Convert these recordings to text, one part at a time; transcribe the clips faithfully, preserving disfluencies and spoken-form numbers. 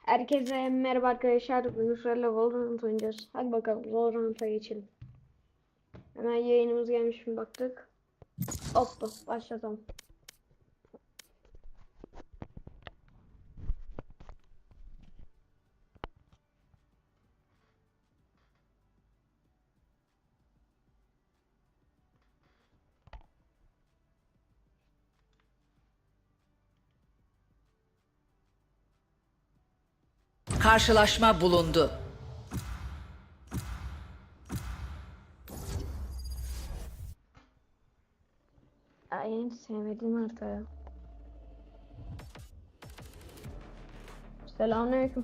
Herkese merhaba arkadaşlar. Bugün sizlerle Valorant oynayacağız. Hadi bakalım Valorant'a geçelim. Hemen yayınımız gelmiş mi baktık. Hoppa başlatalım. Karşılaşma bulundu. Ay en sevmediğim harita ya. Selamünaleyküm.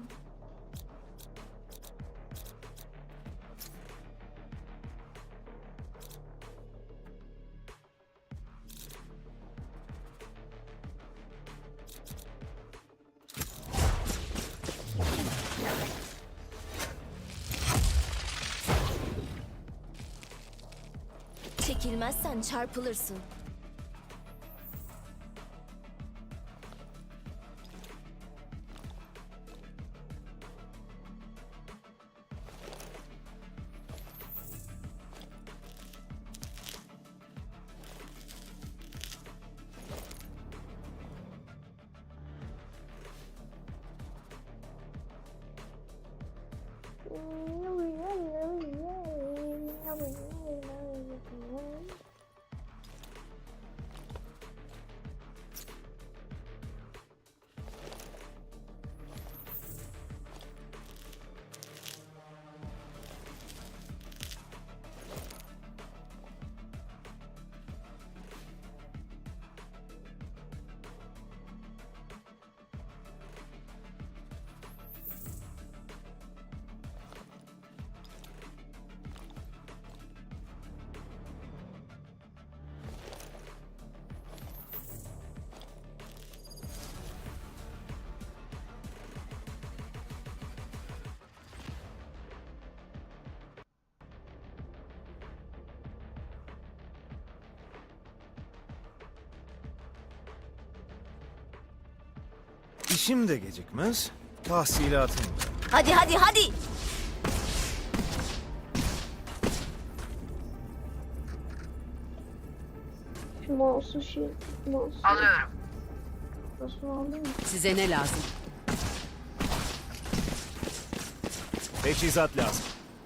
Çekilmezsen çarpılırsın. İşim de gecikmez, tahsilatım da. Hadi hadi hadi. Şu mouse'u şey mouse. Alıyorum. Nasıl aldın mı? Size ne lazım? Teçhizat lazım.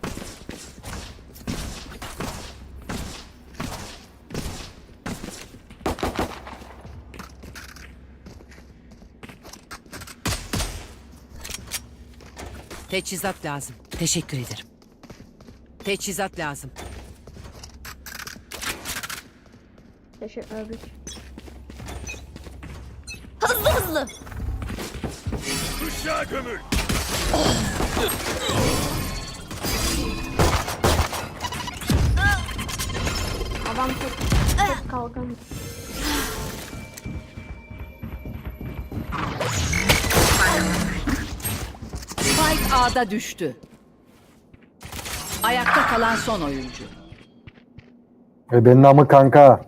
Teçhizat lazım. Teşekkür ederim. Teçhizat lazım. Teşekkür ederim. Hızlı hızlı. Kuşağı gömül! Adam çok, çok kalkan. Spike A'da düştü. Ayakta kalan son oyuncu. E benim namı kanka.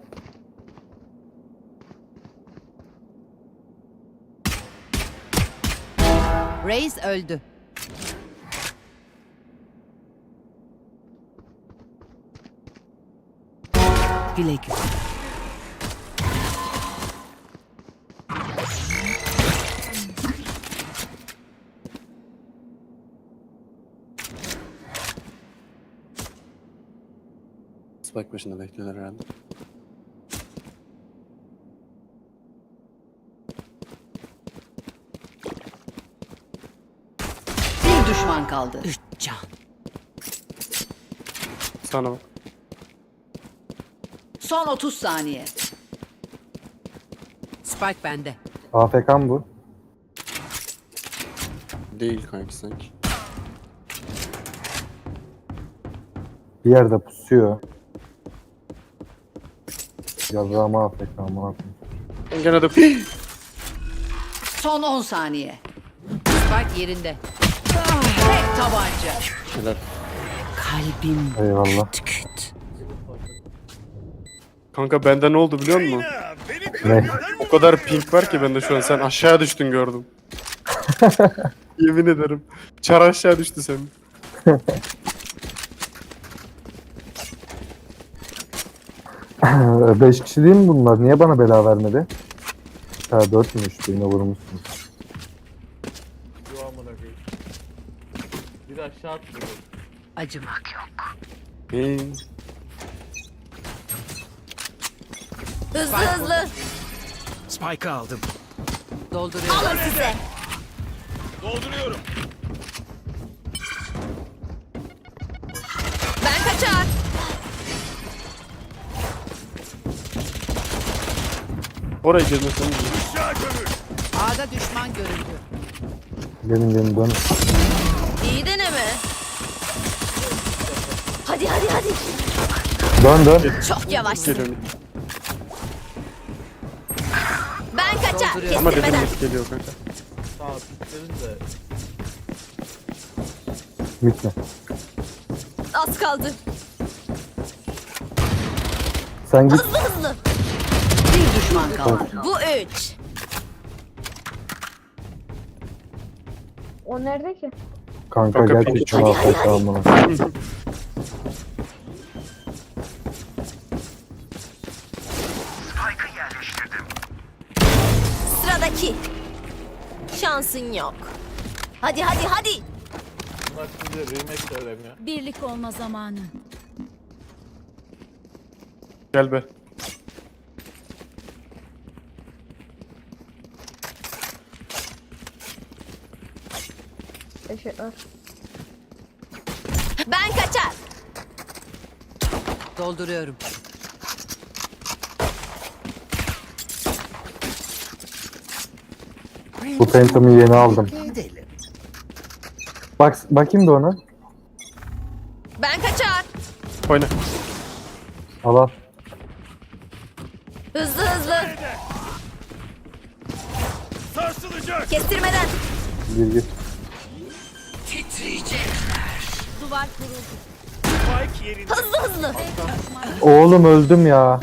Reis öldü. Güle güle. Spike başında bekliyorlar herhalde. Bir düşman kaldı. Üç can. Sana bak. Son otuz saniye. Spike bende. A F K mı bu? Değil kanki sanki. Bir yerde pusuyor. Yazığım A F K amına koyayım. Ben gene de... Son on saniye. Spike yerinde. Tek tabanca. Şeyler. Kalbim Eyvallah. küt. Kanka bende ne oldu biliyor musun? Beni Ne? O kadar pink var ki bende şu an, sen aşağıya düştün gördüm. Yemin ederim. Çar aşağı düştü senin. Beş kişi değil mi bunlar? Niye bana bela vermedi? Ha dörtmüş. Birine vurmuşsun. Yo amına koyayım. Bir de aşağı atlıyor. Acımak yok. Ee, Hızlı hızlı. Spike aldım. Dolduruyorum. Alın size. Dolduruyorum. Ben kaçar. oraya girmesin. A'da düşman görüldü. Gelin gelin dön. İyi deneme. Hadi hadi hadi. Dön dön. Çok yavaşsın. Geliyorum. Ben kaçar. Dolduruyorum. Ama dedim Kestirmeden. net geliyor kanka. Sağ ol. Dedim de. Gitme. Az kaldı. Sen git. Hızlı hızlı. Bir düşman kaldı. Bu üç. O nerede ki? Kanka Kanka, gel peki. ki şunu Hadi, hadi, afk amına. Sıradaki. Şansın yok. Hadi hadi hadi. Bunlar size remake söylemiyor. Birlik olma zamanı. Gel be. Teşekkürler. Ben kaçar. Dolduruyorum. Bu Phantom'ı yeni aldım. Bak bakayım da ona. Ben kaçar. Oyna. Al al. Hızlı hızlı. Sarsılacak. Kestirmeden. Gir gir. Duvar kuruldu. Spike yerinde. Hızlı hızlı. Oğlum öldüm ya.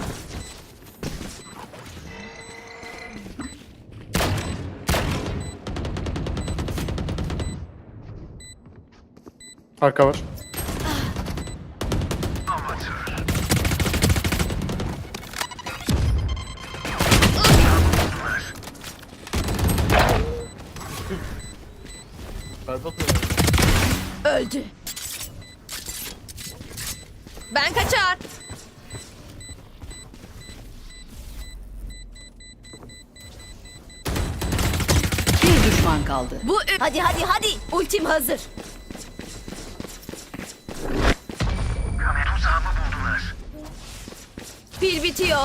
Arka var. Berbat oynuyor. Öldü. Ben kaçar. Bir düşman kaldı. Bu üç. Hadi hadi hadi. Ultim hazır. Pil bitiyor.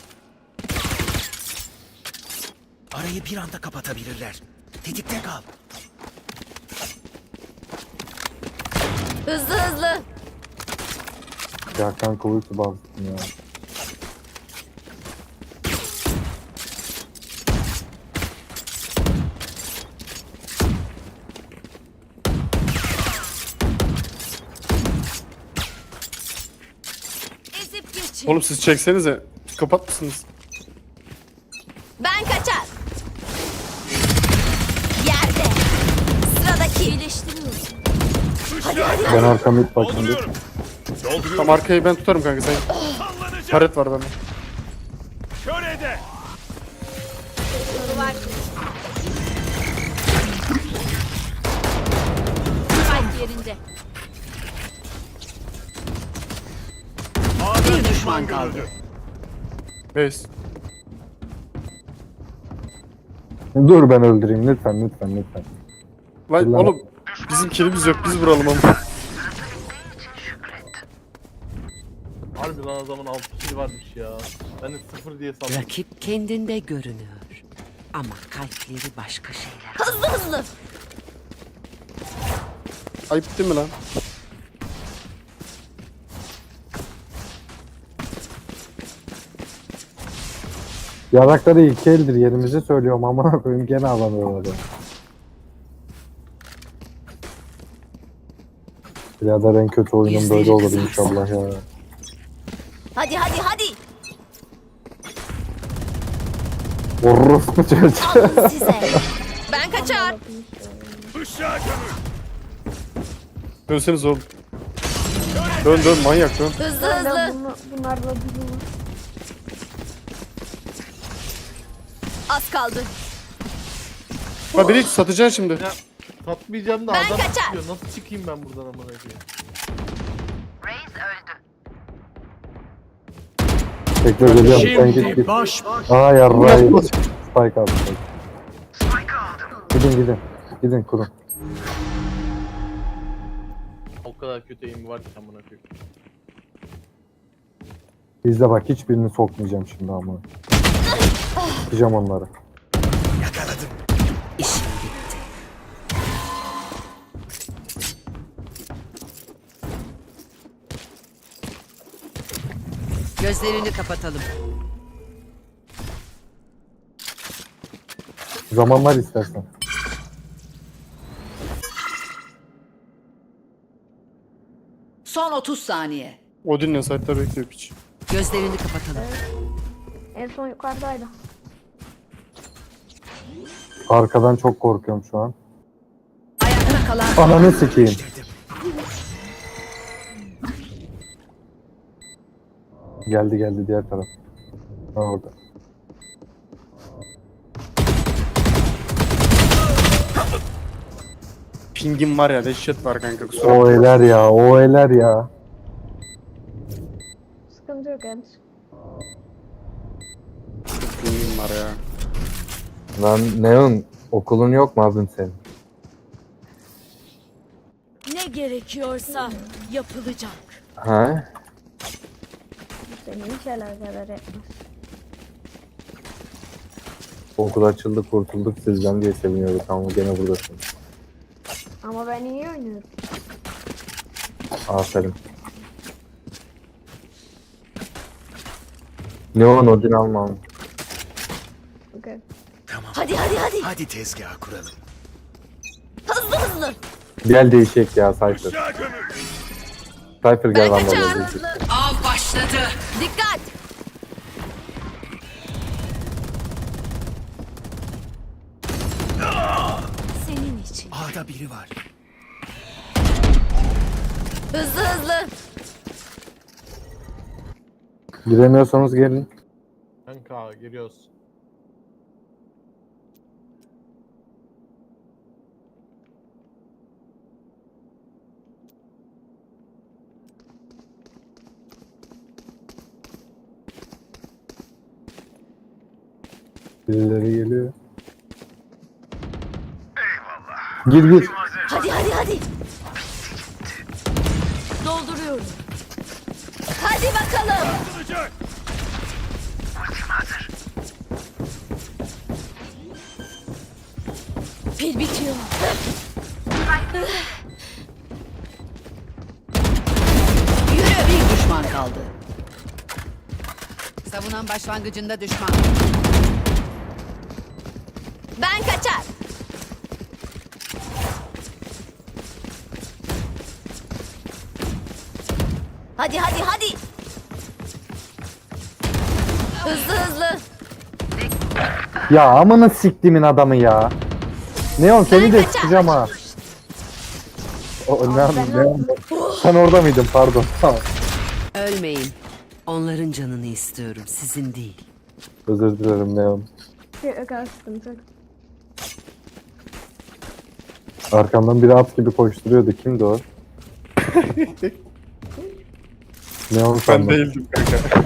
Arayı bir anda kapatabilirler. Tetikte kal. Hızlı hızlı. Ya kanka uyku bastım ya. Ezip geçin. Oğlum siz çeksenize. Kapat mısınız? Ben kaçar. Yerde. Sıradaki. İyileştiriyoruz. Hadi hadi. Ben arkamı it bakayım. bir. Tam arkayı ben tutarım kanka sen. Taret var bende. Kör ede. Duvar. Spike yerinde. Bir düşman kaldı. Base. Dur ben öldüreyim lütfen lütfen lütfen. Lan Ulan. oğlum bizim kilimiz yok biz vuralım ama. Harbi lan adamın altı kişi varmış ya. Ben de sıfır diye sandım. Rakip kendinde görünüyor. Ama kalpleri başka şeyler. Hızlı hızlı. Ayıp değil mi lan? Yarakları iki eldir yerimizi söylüyorum ama koyayım gene alamıyorlar ya. Birader en kötü oyunum böyle olur inşallah ya. Hadi hadi hadi. Orospu çocuğu. Alın size. Ben kaçar. Dönseniz oğlum. Dön dön manyak dön. Hızlı Ben de hızlı. bunu, bunlarla durumum. Az kaldı. Ha biri satacaksın şimdi. Ya satmayacağım da Ben adam kaçar. çıkıyor. Nasıl çıkayım ben buradan amına koyayım? Bekle geliyorum. Sen git git. Baş Aa yarrayı. Spike aldım. Gidin gidin. Gidin kurun. O kadar kötü eğimi var ki amına koyayım. İzle bak hiçbirini sokmayacağım şimdi ama. Sıkacağım onları. yakaladım. İşim bitti. Gözlerini kapatalım. Zamanlar istersen. Son otuz saniye. Odin'le site'da bekliyor piç. Gözlerini kapatalım. En son yukarıdaydı. Arkadan çok korkuyorum şu an. Ayakta kalan Ananı sikeyim. Dedim. Geldi geldi diğer taraf. Ha orada. Pingim var ya dehşet var kanka kusura O bakma. eler ya, o eler ya. Sıkıntı yok yani. Pingim var ya. Lan Neon, okulun yok mu abim senin? Ne gerekiyorsa yapılacak. Ha? Seni hiç alakadar etmez. Okul açıldı, kurtulduk sizden diye seviniyorduk ama gene buradasın. Ama ben iyi oynuyorum. Aferin. Neon Odin almam. Okay. Tamam. Hadi hadi hadi. Hadi tezgah kuralım. Hızlı hızlı. Gel değişik ya Cypher. Cypher gel Ben lan kaçar. böyle. av başladı. Dikkat. Senin için. A'da biri var. Hızlı hızlı. Giremiyorsanız gelin. Kanka giriyoruz. Birileri geliyor. Gir gir. Hadi hadi hadi. Dolduruyorum. Hadi bakalım. Pil bitiyor. Yürü, bir düşman kaldı. Savunan başlangıcında düşman. Ben kaçar. Hadi hadi hadi. Hızlı hızlı. Ya amına siktimin adamı ya. Neon seni de sıkacağım ha. O, ne, ne, sen orada mıydın pardon. Tamam. Ölmeyin. Onların canını istiyorum, sizin değil. Özür dilerim Neon. Yok yok sıkıntı yok. Arkamdan biri at gibi koşturuyordu. Kimdi o? Neon Ben sandım. değildim kanka.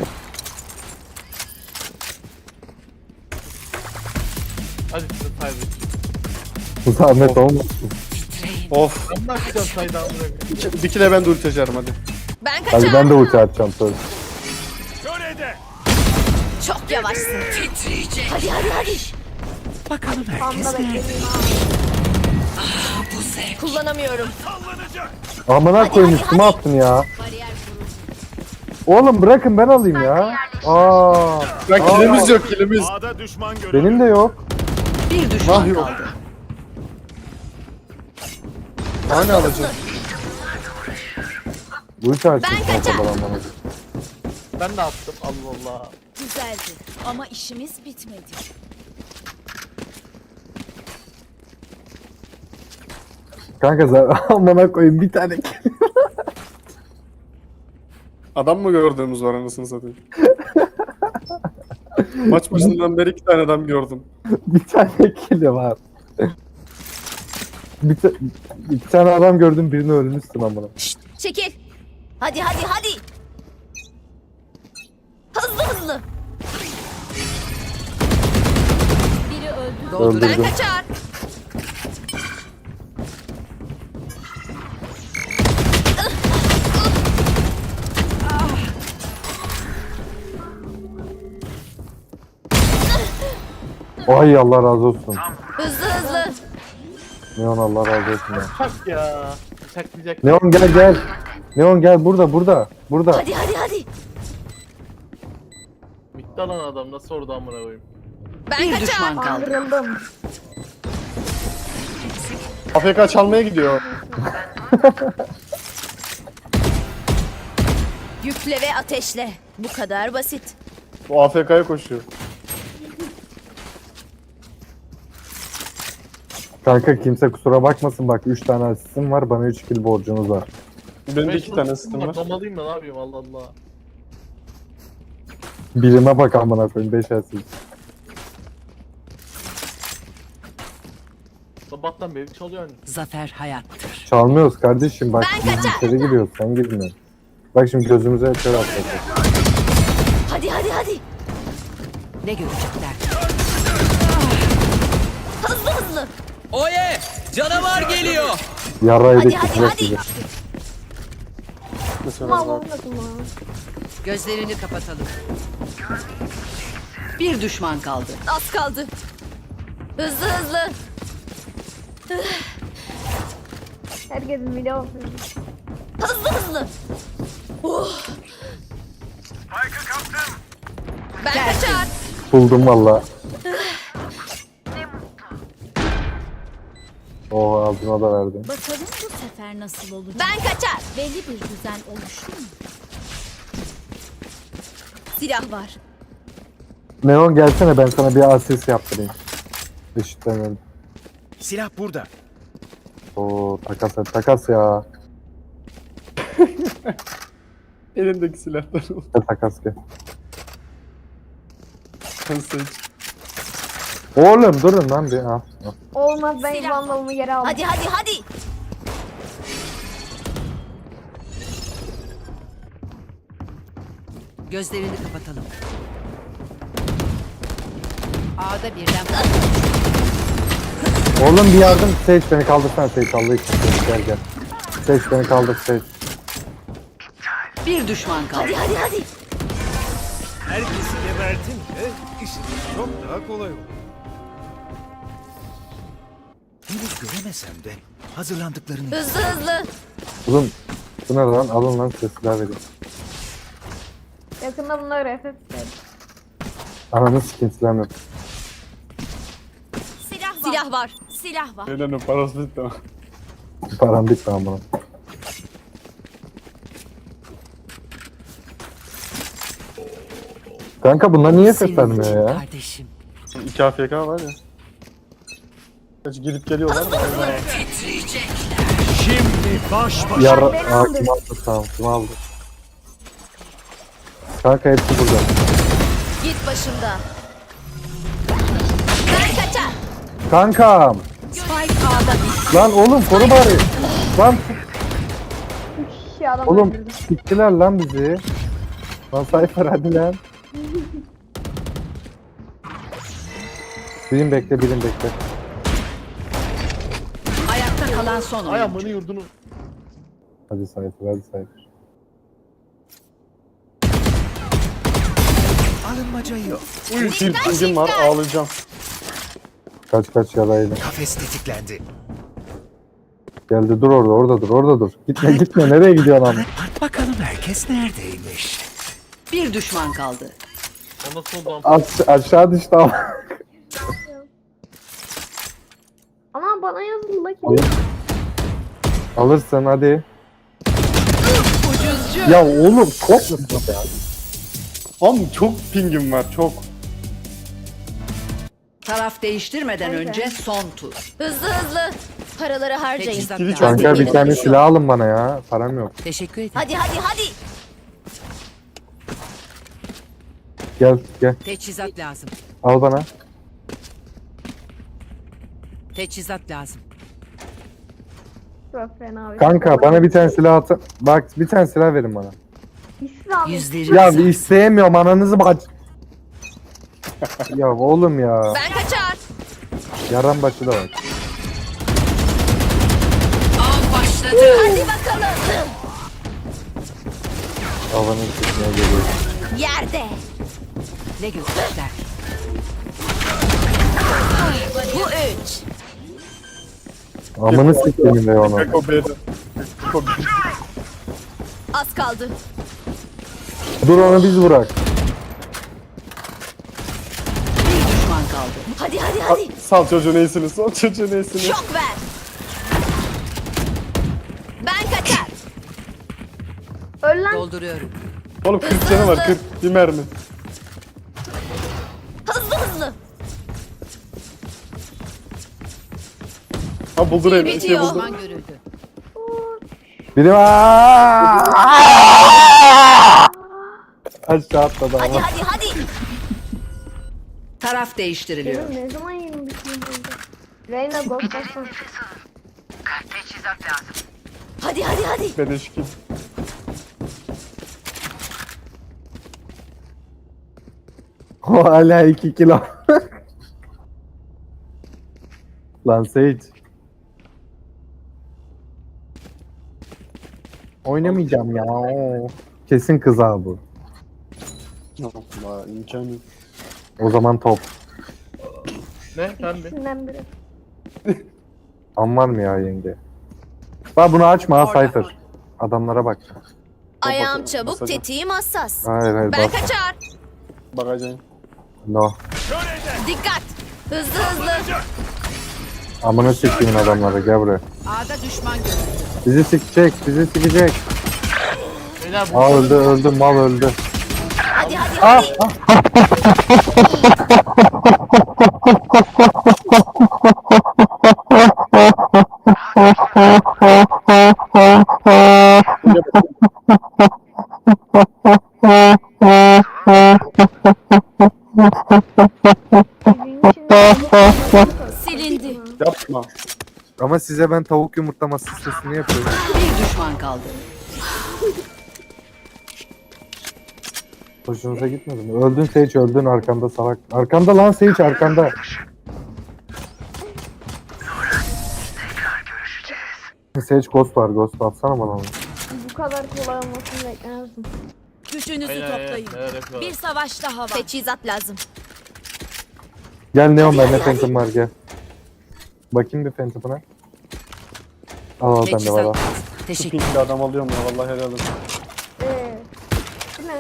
Hadi size kaybedin. Zahmet olmasın. Of. Ben de açacağım saydı amına koyayım. İki- Dikile ben de ulti açarım hadi. Ben Hadi kaçar. ben de ulti atacağım söz. Çok yavaşsın. Titriyecek. Hadi hadi hadi. Bakalım herkes Tam da nerede? bekledim. Bu zevk. Kullanamıyorum. Amına koyayım üstüme attın ya. Oğlum bırakın ben alayım ya. Aa, Lan kilimiz yok kilimiz. benim de yok. Bir düşman Ah yok. kaldı. Hani alacağım. Ulti açtım Ben sana kaçar. kadar amına. Ben de attım Allah Allah. Güzeldi ama işimiz bitmedi. Kanka sen amına koyayım bir tane. Adam mı gördüğümüz var anasını satayım. Maç başından beri iki tane adam gördüm. Bir tane kili var. Bir, ta- bir tane adam gördüm, birini ölmüşsün amına. Şşt, çekil. Hadi hadi hadi. Hızlı hızlı. Biri öldü. Dolduruyor. Ben Öldürdüm. kaçar. Ay Allah razı olsun. Hızlı hızlı. Neon Allah razı olsun ya. Çak ya. Bıçaklayacak. Neon gel gel. Neon gel burada burada. Burada. Hadi hadi hadi. Bitti lan adam nasıl orada amına koyayım. Ben Bir kaçar. düşman kaldı. Kandırıldım. A F K çalmaya gidiyor. Yükle ve ateşle. Bu kadar basit. Bu A F K'ya koşuyor. Kanka kimse kusura bakmasın, bak üç tane asistim var, bana üç kill borcunuz var. Benim de iki tane sistem var. Atlamalıyım ben ne yapayım Allah Allah. Birime bak amına koyayım, beş asist. Sabahtan beri çalıyor hani. Zafer hayattır. Çalmıyoruz kardeşim, bak Ben biz kaçar. içeri giriyoruz, sen girmiyorsun. Bak şimdi gözümüze kör atacak. Hadi hadi hadi. Ne görecekler? Hızlı hızlı. Oye! Canavar geliyor! Yarrayı da Hadi hadi tutacak hadi. bizi. Mesela Mal bak. olmasın lan. Gözlerini kapatalım. Bir düşman kaldı. Az kaldı. Hızlı hızlı. Herkesin video olsun. Hızlı hızlı. Oh. Ben kaçar. Buldum valla. Oha ağzına da verdim. Bakalım bu sefer nasıl olacak? Ben kaçar. Belli bir düzen oluştu mu? Silah var. Neon gelsene, ben sana bir asist yaptırayım. Eşitlemedim. Silah burada. Oo takas et, takas ya. Elindeki silahlar. Gel takas gel. Sen seç. Oğlum durun lan bir. Ha. ha. Olmaz, ben Silah. vandalımı geri aldım. Hadi hadi hadi. Gözlerini kapatalım. A'da birden Oğlum bir yardım, Sage beni kaldırsana, Sage Allah için gel gel. Sage beni kaldır, Sage. bir düşman kaldı. Hadi hadi hadi. Herkesi gebertin ve işiniz çok daha kolay olur. Henüz göremesem de hazırlandıklarını... Hızlı hızlı. Oğlum bu ne lan, alın lan size silah vereyim. Yakında bunlar F F istedim. Ananı sikin silah yok. Silah var. Silah var. Silah var. Elinin parası bitti ama. Param bitti lan buna. Kanka bunlar niye ses Senin için vermiyor ya? kardeşim. İki A F K var ya. Kaç gidip geliyorlar da. Şimdi baş başa... Yar beni Aa, aldı. kim aldı, tamam kim aldı? Kanka hepsi burada. Git başımda. Ben kaçar. Kankam! Spike A'da. Lan oğlum koru bari. Lan Üç kişi adam oğlum öldürdü. siktiler lan bizi. Lan Cypher hadi lan. Birim bekle, birim bekle. Ayakta kalan son Ay oyuncu. amını yurdunu. Hadi Cypher, hadi Cypher. Alınmaca yok. Uy silpingim var ağlayacağım. Kaç kaç yaraydı. Kafes tetiklendi. Geldi, dur orada, orada dur, orada dur. Gitme gitme, nereye gidiyorsun lan? Bak bakalım herkes neredeymiş. Bir düşman kaldı. O nasıl oldu am? Aş aşağı düştü ama. Ama bana yazıldı la Alır. ki. Alırsın hadi. Ya oğlum çok musun ya? Oğlum çok pingim var çok. Taraf değiştirmeden Neyse. önce son tur. Hızlı hızlı. Paraları harcayın. Teçhizat Twitch lazım. Kanka bir Benim tane yok. silah alın bana ya. Param yok. Teşekkür ederim. Hadi hadi hadi. Gel gel. Teçhizat lazım. Al bana. Teçhizat lazım. Çok fena bir Kanka bana bir tane silah atın. Bak bir tane silah verin bana. İslam. Yüzleri Ya güzel. bir isteyemiyorum ananızı bak. Ya oğlum ya. Ben kaçar. Yaran başı da var. Av başladı. Hadi bakalım. Havanın sesine geliyor. Yerde. Ne görecekler? Bu üç. Amını siktiğim be onu. Eko B'de. Eko B. Az kaldı. Dur onu biz bırak. Bir düşman kaldı. Hadi hadi hadi. Sal çocuğun iyisini, sal çocuğun iyisini. Şok ver. Ben kaçar. Öl lan. Dolduruyorum. Oğlum kırk canı var, kırk. Bir mermi. Hızlı hızlı. Ha buldu Reyna, şey bitiyor. buldu. Düşman görüldü. Biri var. Aşağı atladı Hadi ama. hadi hadi. Taraf değiştiriliyor. Benim ne zaman yirmi bitim oldu? Reyna gol basın. Hadi hadi hadi. Bedeşki. O hala iki kilo. Lan Sage. Oynamayacağım ya. Kesin kız abi bu. Allah imkanı yok. O zaman top. Ne? Ben mi? İkisinden biri. Am var mı ya yenge? Bak bunu açma ha Cypher. Adamlara bak. Ayağım çabuk, Basacağım. tetiğim hassas. Hayır hayır Ben bak. kaçar. Bakacağım. No. Dikkat. Hızlı hızlı. Amına siktiğin adamları gel buraya. A'da düşman görüldü. Bizi sikecek, bizi sikecek. Beyler bu Aa öldü öldü mal öldü. Hadi hadi Ah, hadi. Bizim için Silindi. Yapma. Ama size ben tavuk yumurtlama sesini yapıyorum. Bir düşman kaldı. Hoşunuza gitmedi mi? Öldün Sage öldün arkanda salak. Arkanda lan Sage arkanda. Sage ghost var ghost atsana bana onu. bu kadar kolay olmasını beklemezdim. Gücünüzü Beyler, toplayın. beyler, beyler, Bir savaş daha var. Teçhizat lazım. Gel Neon bende Phantom var gel. Bakayım bir Phantom'ına. Al al bende var al. Teçhizat lazım. Şu Teşekkür. pinkli adam alıyorum ya, vallahi helal olsun. Eee. Bu ne?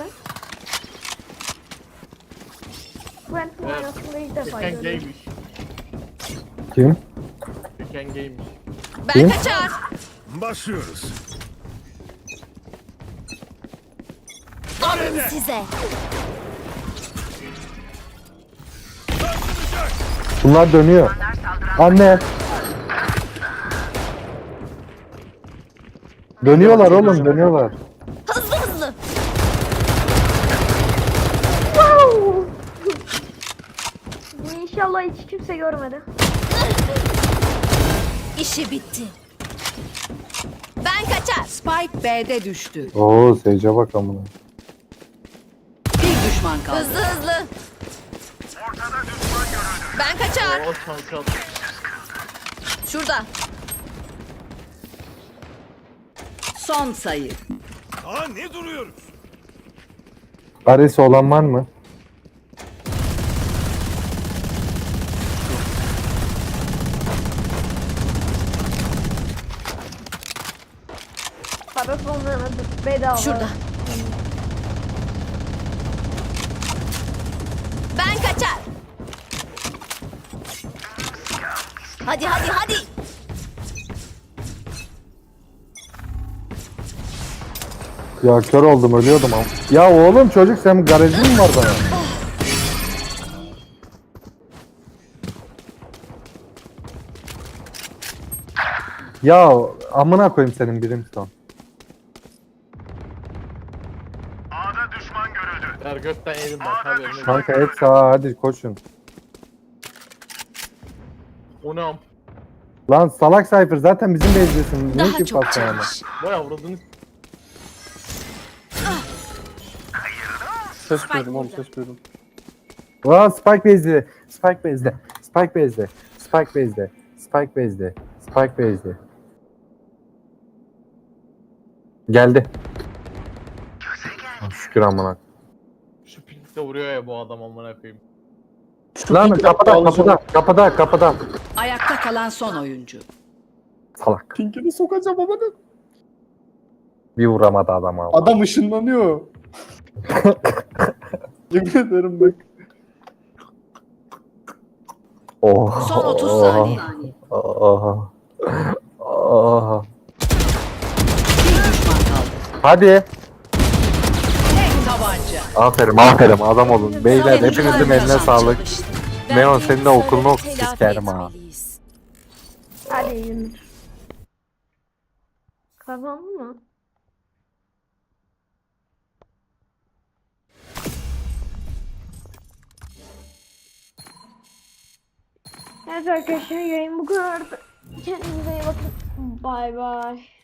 Quentin Evet. oynasında ilk defa Ken görüyorum. gaymiş. Kim? Ken gaymiş. Ben Kim? kaçar. Başlıyoruz. Alın size. Bunlar dönüyor. Anne. Dönüyorlar oğlum dönüyorlar. Hızlı hızlı. İnşallah hiç kimse görmedi. İşi bitti. Ben kaçar. Spike B'de düştü. Oo Sage'e bak amına. Bir düşman kaldı. Hızlı hızlı. Ben kaçar. O çal çal. Şurada. Son sayı. Aa ne duruyoruz? Aresi olan var mı? Parası olmayan bedava. Şurada. Ben kaçar. Hadi hadi hadi. Ya kör oldum ölüyordum ama. Ya oğlum çocuk sen garajın mı var bana? Ya amına koyayım senin Brimstone. Ver gökten yedim ben tabii. önüne- Kanka hep sağa hadi koşun. O ne am? Lan salak Cypher zaten bizim bezdesin. Ne Daha ki çok pasta yani? çalış. Vay avradını. Ses duydum oğlum ses duydum. Aa Spike bezde. Spike bezde. Spike bezde. Spike bezde. Spike bezde. Spike bezde. Geldi. Ah, şükür amına. Şu pinkte vuruyor ya bu adam amına koyayım. Lan kapıda kapıda kapıda kapıda. Ayakta kalan son oyuncu. Salak. Pinkini sokacağım ama ne? Bir vuramadı adam abi. Adam ışınlanıyor. Yemin ederim bak. Oh. Son otuz oh, saniye. Oh. Oh. Bir düşman kaldı. Hadi. Tek tabanca. Aferin aferin adam olun. Beyler Savunucular hepinizin eline yaşam sağlık. çalıştı. Neon senin de okulunu Telafi oku sikerim ha. etmeliyiz. Hadi Yunus. Kazandın mı? Evet arkadaşlar yayın bu kadar. Kendinize iyi bakın. Bay bay.